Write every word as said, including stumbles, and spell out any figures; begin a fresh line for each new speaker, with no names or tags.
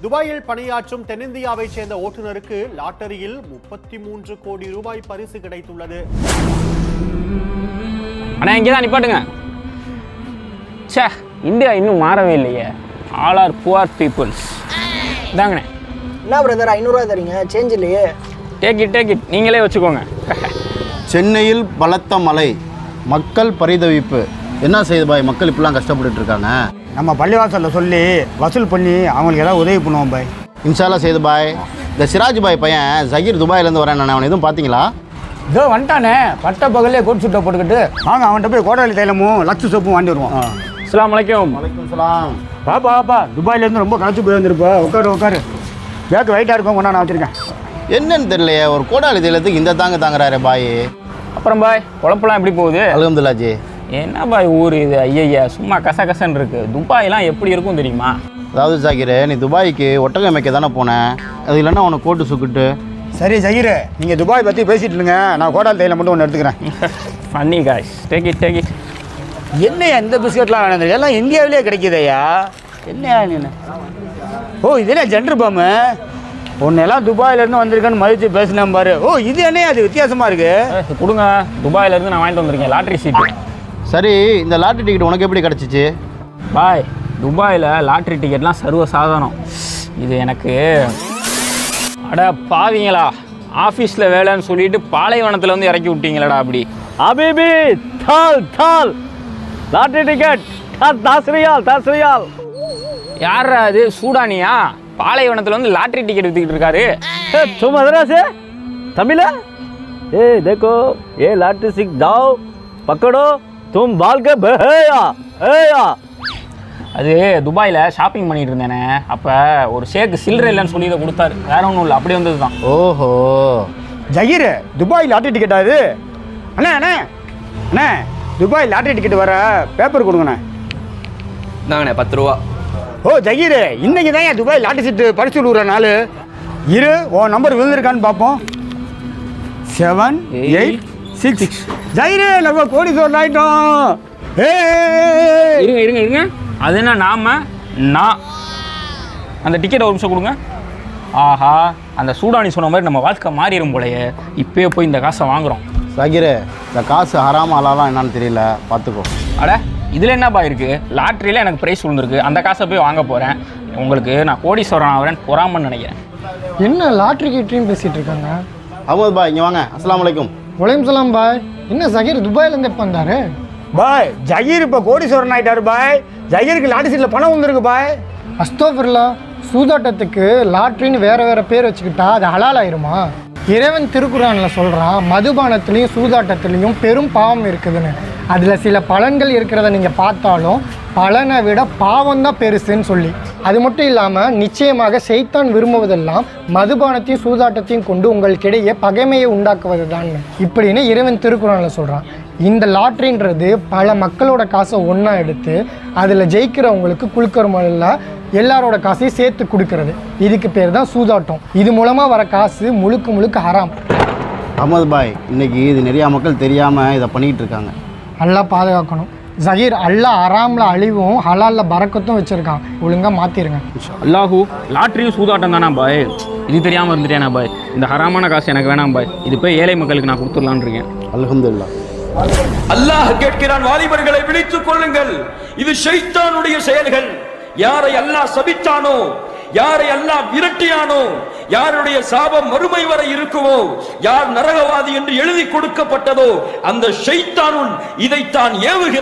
துபாயில் பணியாற்றும் தென்னிந்தியாவை சேர்ந்த ஓட்டுநருக்கு லாட்டரியில் முப்பத்தி மூன்று கோடி ரூபாய் பரிசு கிடைத்துள்ளது.
அண்ணா இங்கேதான் நிப்பாட்டுங்க. சே, இந்தியா இன்னும் மாறவே இல்லையே. All are poor peoples. இதாங்கண்ணே.
என்ன பிரதர் ஐநூறுரூவா தரீங்க, சேஞ்ச் இல்லையே.
டேக் இட் டேக் இட் நீங்களே வச்சுக்கோங்க.
சென்னையில் பலத்த மழை, மக்கள் பரிதவிப்பு. என்ன செய்யுது பாய், மக்கள் இப்படிலாம் கஷ்டப்பட்டு இருக்காங்க.
நம்ம பள்ளிவாசலில் சொல்லி வசூல் பண்ணி அவங்களுக்கு ஏதாவது உதவி பண்ணுவோம் பாய்.
இன்ஷால்லா செய்து பாய். இந்த சிராஜ் பாய் பையன் ஜகீர் துபாயிலேருந்து வரேன். நான் அவனை எதுவும் பார்த்தீங்களா?
இதோ வந்துட்டானே, பட்ட பகலே கோட் சுட்டை போட்டுக்கிட்டு. வாங்க அவன்கிட்ட போய் கோடாலி தைலமும் லக்ஸு சோப்பும் வாங்கி வருவோம்.
அஸ்ஸலாமு அலைக்கும்.
வலைக்கும் சலாம்.
பாப்பா பாப்பா, துபாயிலேருந்து ரொம்ப களைச்சு போய் வந்துருப்பா. உட்காரு உட்காரு, பேக்கு வெயிட்டாக இருக்கும், கொண்டா நான் வச்சுருக்கேன்.
என்னன்னு தெரியலையே, ஒரு கோடாலி தைலத்துக்கு இந்த தாங்க தாங்குறாரு பாய்.
அப்புறம் பாய் குழப்பெல்லாம் எப்படி போகுது?
அல்ஹம்துலில்லாஹ்.
என்ன பாய் ஊர் இது, ஐயா சும்மா கச கசன்னு இருக்கு. துபாயெல்லாம் எப்படி இருக்கும் தெரியுமா?
அதாவது ஜாகிர், நீ துபாய்க்கு ஒட்டகை மேய்க்க தானே போனேன், அது இல்லைன்னா உனக்கு கோட்டு சுக்கிட்டு.
சரி ஜகீர், நீங்கள் துபாய் பற்றி பேசிட்டு இருங்க, நான் கோடாலி தைலம் மட்டும் ஒன்று எடுத்துக்கிறேன்.
Funny guys, take it take it.
என்னையா இந்த பிஸ்கட்லாம் வேணும், எல்லாம் இந்தியாவிலே கிடைக்குதையா? என்னையா நீ? ஓ இது என்ன ஜென்டர் பாம்பு, உன்னெல்லாம் துபாயிலேருந்து வந்திருக்கேன்னு மதித்து பேசினேன் பாரு. ஓ இது என்னையா அது வித்தியாசமாக இருக்குது?
கொடுங்க, துபாயிலேருந்து நான் வாங்கிட்டு வந்திருக்கேன் லாட்ரி சீட்டு.
சரி, இந்த லாட்டரி டிக்கெட் உனக்கு எப்படி கிடச்சிச்சு?
பாய் துபாயில் லாட்ரி டிக்கெட்லாம் சர்வ சாதாரணம். இது எனக்கு அட பாவீங்களா, ஆஃபீஸில் வேலைன்னு சொல்லிட்டு பாலைவனத்தில் வந்து இறக்கி விட்டீங்களடா. அப்படி அபிபி தால் தால் லாட்ரி டிக்கெட் தாஸ்ரியால் தாஸ்ரியால். யாரா அது, சூடானியா? பாலைவனத்தில் வந்து லாட்ரி டிக்கெட் வித்துக்கிட்டு இருக்காரு.
तुम मद्रास है तमिल है? ए देखो ये लाटरी सिक दाओ पकड़ो तुम बाल के बहेया ஏயா.
அது துபாயில் ஷாப்பிங் பண்ணிட்டு இருந்தேனே, அப்போ ஒரு ஷேக்கு சில்லறை இல்லைன்னு சொல்லி இதை கொடுத்தாரு. வேற ஒன்றும் இல்லை, அப்படி வந்தது தான்.
ஓஹோ
ஜகீர், துபாய் லாட்ரி டிக்கெட்டா இது? அண்ணே அண்ணே அண்ணே, துபாய் லாட்ரி டிக்கெட் வர பேப்பர் கொடுங்கண்ணே.
இந்தாங்கண்ணே பத்து ரூபா.
ஓ ஜகீர், இன்னைக்கு தான் என் துபாய் லாட்ரி சீட்டு பரிசு விடுற நாள். இரு, உன் நம்பர் விழுந்திருக்கான்னு பார்ப்போம். Seven eight six. ஜகீர், நம்ம கோடி சோறு ஆயிட்டோம்.
இருங்க இருங்க இருங்க, அது என்ன நாம நான் அந்த டிக்கெட் ஒரு நிமிஷம் கொடுங்க. ஆஹா, அந்த சூடானி சொன்ன மாதிரி நம்ம வாழ்க்கை மாறிடும் போலையே. இப்போயே போய் இந்த காசை வாங்குகிறோம்.
ஜாகிர், இந்த காசு ஹராம ஹலாலா என்னன்னு தெரியல, பார்த்துக்கோ.
அட இதில் என்னப்பா இருக்குது, லாட்ரியில் எனக்கு ப்ரைஸ் விழுந்திருக்கு, அந்த காசை போய் வாங்க போகிறேன். உங்களுக்கு நான் கோடீஸ்வரன் ஆகிறேன் பொறாமன்னு நினைக்கிறேன்.
என்ன லாட்ரி கிட்டையும் பேசிகிட்டு இருக்காங்க?
அஹமது பாய் இங்கே வாங்க. அஸ்ஸலாமு அலைக்கும்.
வலைக்கும் சலாம் பாய். என்ன ஜகீர் துபாயிலேருந்து எப்போ வந்தாரு?
பாய் ஜகீர் இப்போ கோடீஸ்வரன் ஆயிட்டாரு பாய். ஜகீருக்கு லாட்ரி சீட்டில் பணம் வந்துருக்கு பாய்.
அஸ்தோஃபிர்லா, சூதாட்டத்துக்கு லாட்ரின்னு வேறு வேறு பேர் வச்சுக்கிட்டா அது ஹலால் ஆயிருமா? இறைவன் திருக்குறானில் சொல்கிறான், மதுபானத்துலேயும் சூதாட்டத்துலேயும் பெரும் பாவம் இருக்குதுன்னு. அதில் சில பலன்கள் இருக்கிறத நீங்கள் பார்த்தாலும் பலனை விட பாவம் தான் பெருசுன்னு சொல்லி. அது மட்டும் இல்லாமல் நிச்சயமாக சைத்தான் விரும்புவதெல்லாம் மதுபானத்தையும் சூதாட்டத்தையும் கொண்டு உங்களுக்கிடையே பகைமையை உண்டாக்குவது தான் இப்படின்னு இறைவன் திருக்குறானில் சொல்கிறான். இந்த லாட்ரின்றது பல மக்களோட காசை ஒன்றா எடுத்து அதில் ஜெயிக்கிறவங்களுக்கு குழுக்கறமல்ல எல்லாரோட காசையும் சேர்த்து கொடுக்கறது. இதுக்கு பேர் தான் சூதாட்டம். இது மூலமாக வர காசு முழுக்க முழுக்க ஹராம்.
அஹமது பாய், இன்னைக்கு இது நிறையா மக்கள் தெரியாமல் இதை பண்ணிக்கிட்டு இருக்காங்க.
நல்லா பாதுகாக்கணும் ஜகீர். அல்லாஹ் ஹராமில் அழிவும் ஹலாலில் பறக்கத்தும் வச்சுருக்கான், ஒழுங்காக மாற்றிருங்க.
அல்லாஹூ, லாட்ரியும் சூதாட்டம் தானா பாய்? இது தெரியாமல் இருந்துட்டேனா பாய்? இந்த ஹராமான காசு எனக்கு வேணாம் பாய், இது போய் ஏழை மக்களுக்கு நான் கொடுத்துடலான்னு இருக்கேன்.
அல்ஹம்துலில்லாஹ்.
அல்லாஹ் கேட்கிறான், வாலிபர்களை விழித்துக் கொள்ளுங்கள், இது ஷைத்தானுடைய செயல்கள். யாரை அல்லாஹ் சபித்தானோ, யாரை அல்லாஹ் விரட்டியானோ, யாருடைய சாபம் மறுமை வரை இருக்குமோ, யார் நரகவாதி என்று எழுதி கொடுக்கப்பட்டதோ, அந்த ஷைத்தானுன் இதைத்தான் ஏவுகிறான்.